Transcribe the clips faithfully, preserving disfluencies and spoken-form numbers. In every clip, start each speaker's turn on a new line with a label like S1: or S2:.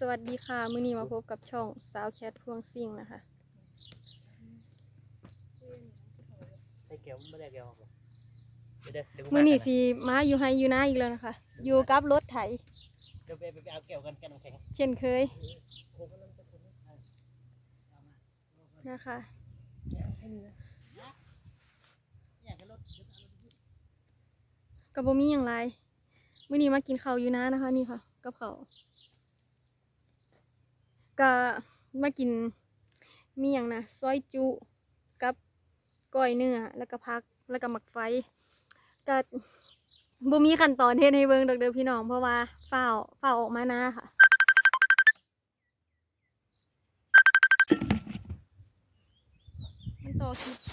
S1: สวัสดีค่ะมื้อนี้มาพบกับช่องสาวแคทพวงซิ่งนะคะ
S2: ใส่แก้วไม่ได้แก้วครับเดี๋ยวเดี๋ยว
S1: มื้อนี้สิมาอยู่ไฮอยู่นาอีกแล้วนะคะอยู่กับรถไถ
S2: เดี๋ยวไปไปเอาแก้วกันแก้วน้ำแข็ง
S1: เช่นเคยนะคะกับบ่มีอย่างไรมื้อนี้มากินข้าวอยู่นานะคะนี่ค่ะกับข้าวก็มากินมีอย่างนะซอยจุกับก้อยเนื้อแล้วก็ผักแล้วก็หมักไฟก็บ่มีขั้นตอนเฮ็ดให้เบิ่งดอกเด้อพี่น้องเพราะว่าฝ้าวฝ้าวออกมานาค่ะมันต่อคลิป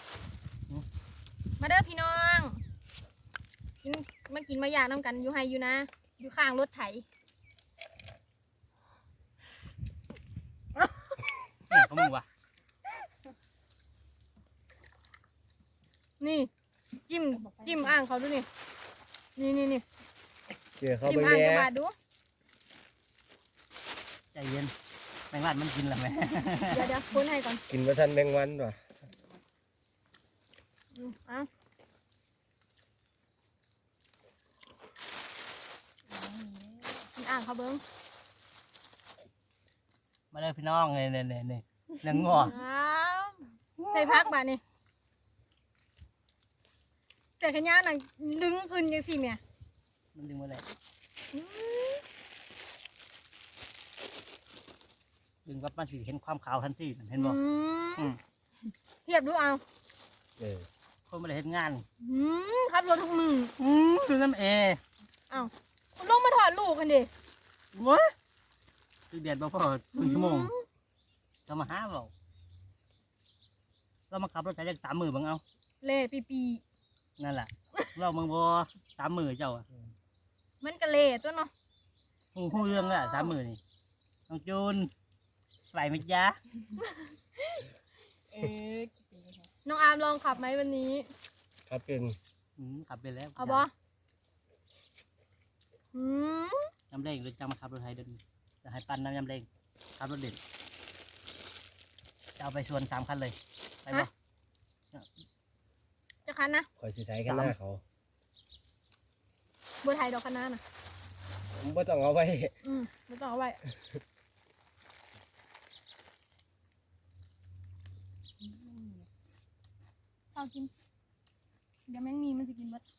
S1: มาเด้อพี่น้องกินมากินมาอยากน้ำกันอยู่ไฮอยู่นะอยู่ข้างรถไถ
S2: เนี่ยเขามึงวะ
S1: นี่จิ้มจิ้มอ่างเขาดูนี่นี่นี่นี่
S3: เกี่ยวเขา
S1: จิ้
S3: ไป
S1: มอ่าง
S3: แล้
S1: กระ
S3: ว
S1: บาดดู
S2: ใจเย็นแมงลาดมันกินแล้วไหม
S1: เดี๋ยวเดี๋ยวคนให้ก่อน
S3: กินมาทันแมงวันว่ะ
S1: อืมอ่ะกินอ่างเขาเบิ้ง
S2: มาเลยพี่น้องเนี่ยเนี่ยเนี่ยเนี่ยเนื้องอ
S1: อ้าวใส่พักบาดนี่ใส่ขยะหนังดึงขึ้นยังสิเมีย
S2: มันดึงมาเลย
S1: อืม
S2: ดึงปั๊บมันสิเห็นความขาวทันทีเห็นบ่
S1: อื
S2: อื
S1: ม
S2: ม
S1: เทียบดูเอา
S3: เออ
S2: คนไม่ได้เห็นงาน
S1: อืมขับรถทุกมือ
S2: อืมดูน้ำเอ
S1: อ้าวคุณลงมาถอดลูกกันดิ
S2: วะคือเดือดบ่พอครึ่งชั่วโมงเรามาหาเปล่าเรามาขับรถใช้จักสามมือบังเอา
S1: เล่ปีปี
S2: นั่นแหละเราเมืองบ่สามมือเจ้าอะ
S1: มันกะเล่ตัวเนาะ
S2: หูหูเรื่องละสามมือนี่น้องจูนไหวไหมจ๊ะ
S4: เออกี่ปีคะ
S1: น้องอาร์มลองขับไหมวันนี้
S3: ครับเป็น
S2: อืมขับไปแล้ว
S1: เอาบออืม
S2: ยำเร่งหรือจะมาขับรถไทยเดินจะให้ปั้นน้ำยำเร่งขับรถเด่นจะเอาไปชวนสามคันเลยไปบ่
S1: จะคันนะ
S3: คอยสิไทยกันหน้าเขา
S1: บัวไทยดอกคะน้าน่ะ
S3: ผมไม่ต้องเอาไว้
S1: อืมไม่ต้องเอาไว้เอากิน เดี๋ยวแมงมีมันจะกินหมด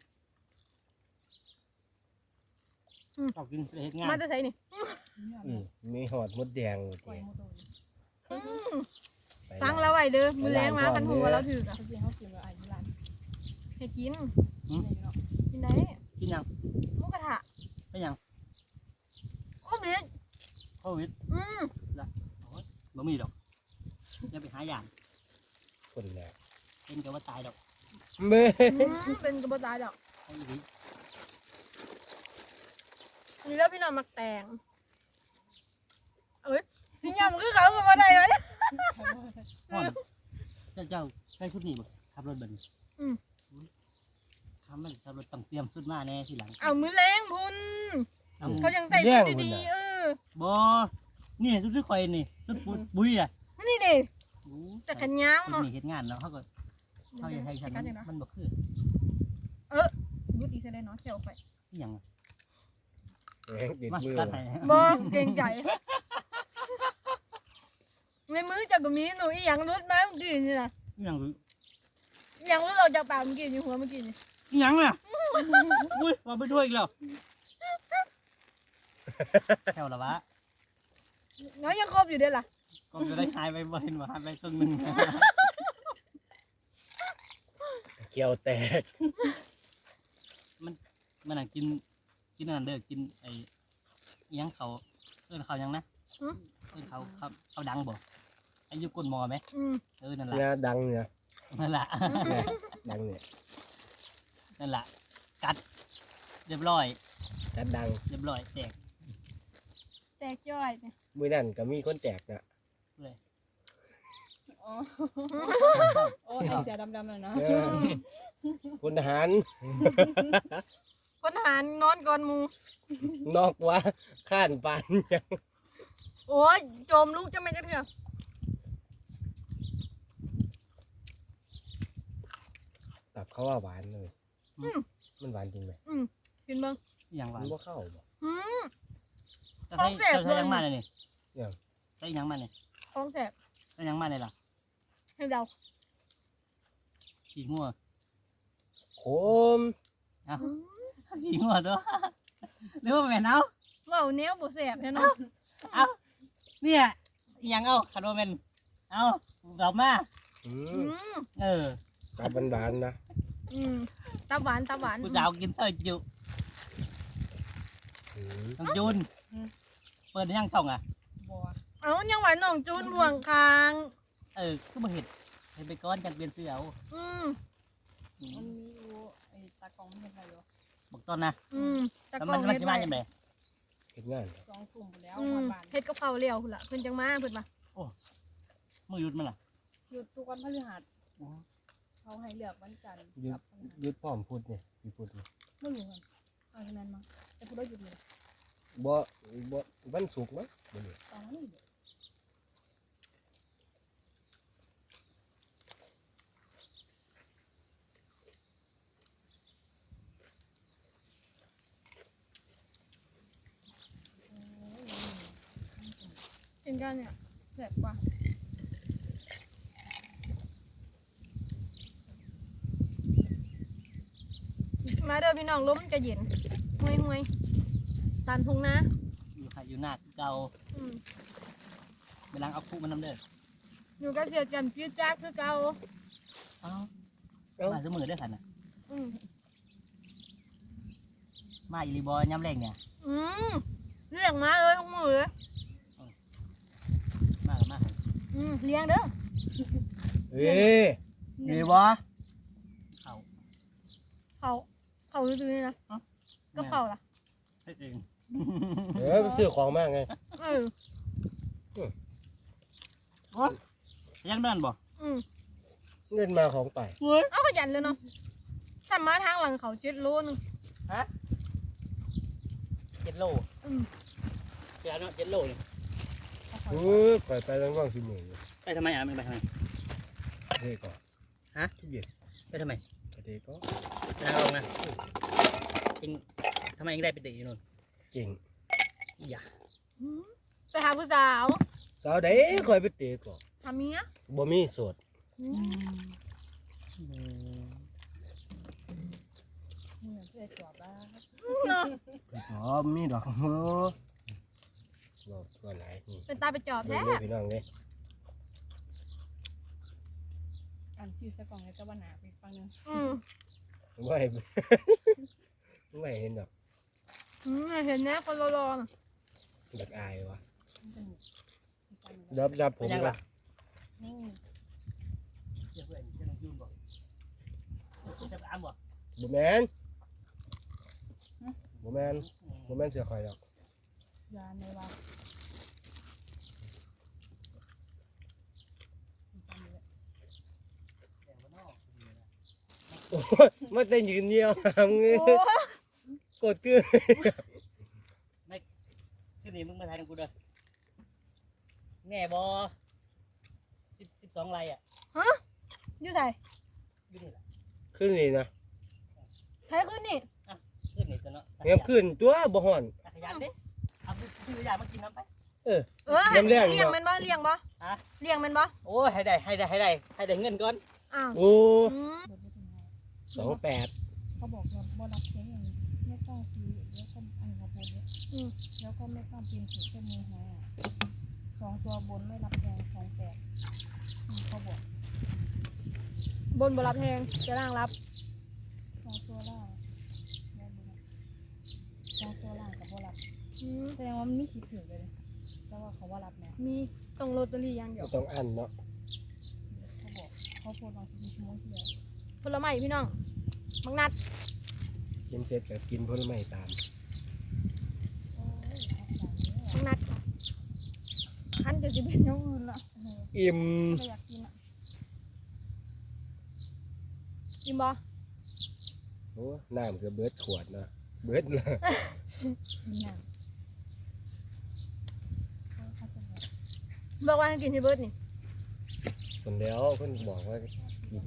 S2: ชอบกินเฮ็ดงาน
S1: มาจะใส่นี่
S3: อืมมีหอดมดแดง
S4: ปล่อย
S3: เกี่ย
S4: โมโตนี่
S1: อืม
S3: ไป
S1: ฟังแล้วไว้เด้อมือแรงมาคันหัวเราถืออะ
S4: เขาจริงเขากินแบบอายุรัน
S1: ให้กิน
S4: ในเนาะ
S1: กินได้
S2: กินยัง
S1: หมุกกระทะ
S2: ไม่ยัง
S1: โคตรเด็ด
S2: โควิด
S1: อืม
S2: บ่มีดอกจะไปหาอย่าง
S3: คนแหละ
S2: เป็นกับว่าตายดอก
S3: เมื่อ
S1: อืมเป็นกระบอกตายดอก
S2: ไอ้หลี
S1: นี่แล้วพี่น้องมักแตงเอ้ยสิยำคือเขากับอะไรวะเนี่ย
S2: ห่อนเจ้าเจ้าใช้ชุดนี้บ่ขับรถเบิ่น
S1: อืม
S2: ทำมันขับรถต้องเตรียมชุดมาแน่ทีหลัง
S1: เอามือแรงพุน
S2: เอา
S1: เขายังใส่ชุดดีๆเออ
S2: บ่นี่ชุดที่ข่อยนี่ชุดปุบุ้ยอ่ะ
S1: นี่ดิ
S2: โอ้
S1: จักรยาน
S2: ชุด
S1: เนาะ
S2: นี้เฮ็ดงานแล้วเขาก็เขาจะใช้ฉันมันมันบ่คือ
S1: ยุติเสร็จเลยเนาะเจียวไป
S2: อีหยังอะ
S3: แหงติด
S2: มา
S3: มือ
S2: ตัดให้
S1: บอเกรงใจในมือจากกมีหนูอีหยังรุดมาเมื่อกี้นี่นะ
S2: อีหยังคือ
S1: อีหยังรุดเราจากปากเมื่อกี้นี่หัวเมื่อกี้นี่
S2: อีหยังน่ะอุ้ยมาไปด้วยอีกแล้วแถวละวะ
S1: น้อยยังครบอยู่เด้อล่ะ
S2: ก็จะได้หายไปบ่เห็นว่าหายไปครึ่งหนึง
S3: เกี่ยวแตก
S2: มันน่ะกินกินอันนั้นเด้อกินไอ้อิหยังเขาเอิ้นเขาหยังนะเอิ้นเขาเขาเขาดังบ่ไอ้อยุก้นหมอไหม
S1: อืม
S2: เออนั่นแหละ
S3: เนี่ยดังเนี่ย
S2: นั่นแหละ
S3: เนี่ยดังเนี่ย
S2: นั่นแหละกัดเรียบร้อย
S3: กัดดัง
S2: เรียบร้อยแตก
S1: แตกย่อยเนี่ย
S3: มือนั่นก็มีคนแตกนะ
S2: เลย
S4: อ๋อโอ้ยเสียดำๆเลยเนาะ
S3: เออพลทหาร
S1: พปัญหานอนก่อนหมู
S3: นอกว่าข้านปานยัง
S1: โอ้ยโจมลูกจะไม่จะเถื่อ
S3: ตับเขาว่าหวานเลย
S1: อืม
S3: มันหวานจริงไหม
S1: อืมกินเบ้าง
S2: อย่างหวา
S3: มัน นบ่เข้าบ่
S1: อืม
S2: จะใช้
S1: ของแสบ
S2: จะใช้
S1: เลย
S2: ยังมาเลยนี่
S3: อย่าง
S2: ใช้ยังมาเนี่ย
S1: ท้องแสบ
S2: ใช้ยังมาเลยล่ะ
S1: ให้เดา
S2: ขี้งัว
S3: โคม
S2: เอ้า
S1: อืม
S2: ขี้งัวตัว หรือว่าแม่นเอา
S1: เว้าแนวบ่แสบแน่นอน
S2: เอาเนี่ยอิหยังเอาคาร์โดเมนเอาดอกมา
S3: อื
S1: อื
S3: ม
S1: ม
S2: เออ
S3: ตับหวานๆนะ
S1: อืมตาหวานตาหวาน
S2: ผู้สาวกินเต้ยจุ
S3: อืม
S2: น้องจูนเปิดยังช่องอ่ะ
S4: บัว
S1: เอายังหวานน้องจูนบ่วงคาง
S2: เออคือมาเห็ดเห็ดไปก้อนจังเปลี่ยนเสื้อเอา
S1: อืม
S2: อื
S4: มัน
S2: ม
S4: มีอยู่ไอ้ตากล้องมันเห็นอะไรอยู่
S2: บอกต้นนะ
S1: อืมตะ
S2: แล้ว
S1: กล้
S2: มั
S1: อน ง
S2: มัน
S1: เฮ็ด
S2: จะ
S1: ไว้
S2: มาจังได
S3: เฮ็ดงาน
S4: สองกลุ่มหมดแล้ว
S1: อื
S4: หม
S1: ม
S4: ดบ้าน
S1: เฮ็ดกับข้าวเลี้ยวพุ่นล่ะเพิ่นจังมาเพิ่นมา
S2: มือหยุดมันล่ะ
S4: หยุดทุกวันพฤหัสเขาให้เลือกวันจันทร์
S3: หยุด
S4: กับวันหัส
S3: หยุดพร้อมพุดนี่พี่พุดนี่
S4: ไม่รู้กันเอาที่นั้นมาแต่พูดได้หยุดเลย
S3: บ่บ่วันศุกร์มั้งบ่นี่
S4: ตอนนั้นอยู่
S1: กินกันเนี่ยแสบกว่ามาเด้อพี่น้องลมมันก็เย็นห่วยห่วยๆตามทุ่งนา
S2: อยู่ค่ะอยู่หน้าเก่า
S1: อืม
S2: ไปล้างเอาคู่มันน้ำเด้อ
S1: อยู่กับเสียจันจืดจ้าคือเก่า
S2: เอ้ามาซื้อมือได้อขันน่ะ
S1: อืม
S2: มาอีรีบอยย่ำแรงเนี่ย
S1: อืมเลี้ยงมาเลยทุกมือเลย
S2: มากับมา
S1: อืมเลี้ยงเด้อ
S3: เอ้ยมีบ่
S2: เขา
S1: เขาเขาดูๆนี่นะก็เขาล่ะ
S2: เฮ็ดเอง
S3: เออไปซื้อของมาไง
S1: เออ
S2: ยังนั่นบ่
S1: อืม
S3: เงินมาของไป
S2: เฮ้ย
S1: เอาขยันเลยเนาะถ้ามาทางหลังเขาเจ็ดโลนึง
S2: เจ็ดโล
S1: อืม
S2: เจ็ดเนาะเจ็ดโลเนี่ย
S3: เออข่อยไปทางว่างสิหมื่น
S2: ไปทำไมอ่ะมันไปทำไม
S3: เฮ้ยก่อน
S2: ฮะ
S3: ที่เย็น
S2: ไปทำไม
S3: ไปเด็กก็
S2: ไปทางลงนะจริงทำไมยังได้ไปตีอยู่นู่น
S3: เก่ง
S2: อย่า
S1: อืมไปหาผู้สาว
S3: สาวใดข่อยไปเตะก่อน
S1: ทำเมีย
S3: บ่มีโสด
S1: อืม
S4: เหมือนเพื่อนจอบแล้ว
S1: เนาะ
S3: อ๋อมีดอกเออบอกตัวไหนนี่
S1: เป็นตาไปจอบ
S3: เล่
S1: แท้
S3: นพี่น้องเลย
S4: อ่านชื่อซะก่อนเลยแต่ว่าหนาไปฟังนึง
S1: อืม
S3: ไม่ ไม่เห็นดอก
S1: อืมเห็นแน่คนรอๆน่ะ
S3: ดักอายวะ
S4: มันเป็นฟังนึง
S3: รับรับผม
S2: ยัง
S3: ละ
S2: ล่ะ
S4: นี่
S2: เจ้าเพื่อนเจ้าน้องจูนบอกจะไปอ้ามบอก
S3: บ่แมนบ่แมนบ่แมนเสือข่อยดอก
S4: ยาในว่า
S3: โอ้ยมาแต่ยืนเยี่ยวหามเงี้ย
S1: โอ้
S3: กดเกลือ
S2: ขึ้นนี่มึงมาถ่ายกับกูเด้อแง่บอสิบสิบสองไรอ่ะ
S1: อยู่ใส่
S2: อยู่นี่แหละ
S3: ขึ้นนี่นะ
S1: ใช้ขึ้นนี่
S2: ขึ้นนี่ตัวเนาะ
S3: เงียบขึ้นตัวบ่ห่อน
S2: ตักขยันดิเอาซื้อยามากินน้ำไป
S3: เออ
S1: เออ
S3: น้ำแรง
S1: เลี้ยง
S3: เนาะ
S1: มันบ่เลี้ยงบ่
S2: ฮะ
S1: เลี้ยงมันบ่
S2: โอ้ยให้ได้ให้ได้ให้ได้ให้ได้เงินก่อน
S1: อ้าว
S3: โอ้
S1: อืม
S4: เดินไปถึงไหน
S3: สองแปด
S4: เขาบอกว่าบ่รับเค้กอย่างนี้ไม่ต้องซื้อแล้วก็อันกระปุกเนี่ย
S1: อืม
S4: แล้วก็ไม่ต้องพิมพ์ถูกเจ้ามือหวยอ่ะสองตัวบนไม่รับแพงสองแปดอืมเขาบอก
S1: บนบ่รับแพงจะล่างรับ
S4: สองตัวล่างแล้วดูนะสองตัวล่างกับบ่รับ
S1: อืม
S4: แสดงว่ามันมีสิทธิ์ถือเลยแต่ว่าเขาว่ารับนะ
S1: มีต้องลอตเตอรี่อย่างเดีย
S3: ก็
S1: ว
S3: ต้องอันเนาะ
S4: เขาบอกเขาโพสต์ลองสิบชั่วโมงที่แล้ว
S1: ผลไม้พี่น้องมังนัด
S3: กินเสร็จก็กินผลไม้ตาม
S4: โอ้ยทับใจเนี่ย
S1: มังนัดค่ะคันจะสิเป็นอย่างอื่นละ
S4: เออ
S3: อิ่ม
S4: ไม่อยากกินอ่ะ
S1: กินบ่
S3: โอ้น้ำก็เบิดขวดเนาะเบิดเลย
S4: มีน้ำเขาเขาจะแบบ
S1: บอกว่าให้กินที่เบิร์ดนี่
S3: คนเดียวเพิ่นบอกว่ากิน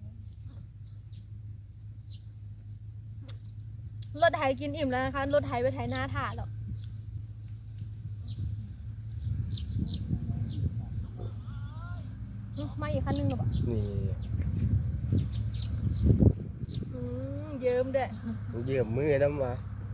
S1: รถไถกินอิ่มแล้วนะคะรถไถไปไถหน้าถ่าหรอกอื้อมาอีกคันหนึงหรอปะ
S3: นี่
S1: อืมเยิ้มด้วย
S3: เยี่ยมมือน้ำมา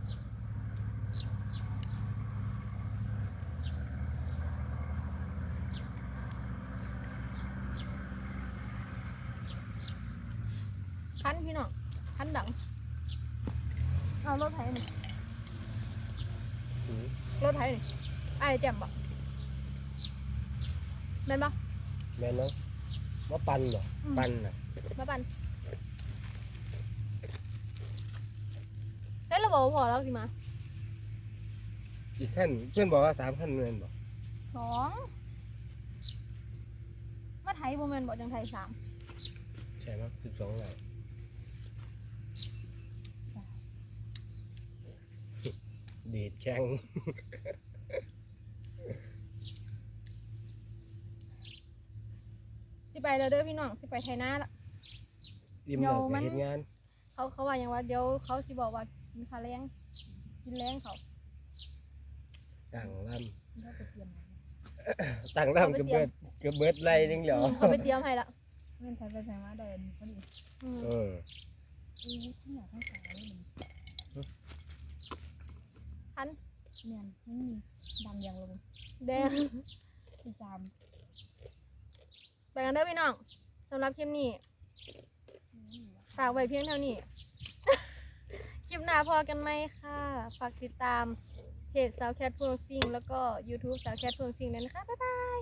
S1: คันพี่น้องคันดังเอารถไถนี่
S3: อืม
S1: รถไถนี่ไอ้ายแจ่มปะแม่นปะ
S3: แม่นเนาะมาปั่นบ่
S1: อืม
S3: ปั่นน่ะ
S1: มาปันใช่เราบอกว่าพอแล้วสิมา
S3: อีกขั้นเพื่อนบอกว่าสามขั้นแม่นบ่
S1: สองมาไถโมเมนบอกจังไทยสาม
S3: ใช่มั้ยสิบสองไร่ดีดแข้ง
S1: สิไปแล้วเด้อพี่น้องสิไปไทยนาละ
S3: อิ่มแล้ว
S1: เดี๋ยวมั
S3: ก็
S1: น
S3: เฮ็ดงาน
S1: เขาเขาว่าอย่างว่าเดี๋ยวเขาสิบอกว่ากินข้าวแรงกินแรงเขา
S3: ตั้งล
S4: เขาไปเตรียมมา
S3: ำตั้งลำก็เบิดก็เบิดไร่นึงเหรอ
S1: อืมเขาไปเตรียมให้ละ
S4: เม่นไทยไปใส่มาได้อันนี้พอดี
S1: อืม
S3: เออ
S4: อู้ที่อยากให้สาวเลยมัน
S1: คัน
S4: เมียนไม่มีดำอย่างลง
S1: แดง
S4: ที่จาม
S1: ไปกันเด้อพี่น้องสำหรับคลิปนี้ฝากไว้เพียงเท่านี้ คลิปหน้าพอกันไหมค่ะ ฝากติดตามเพจสาวแคทเฟืองซิงแล้วก็ YouTube สาวแคทเฟืองซิงด้วยนะคะ บ๊ายบาย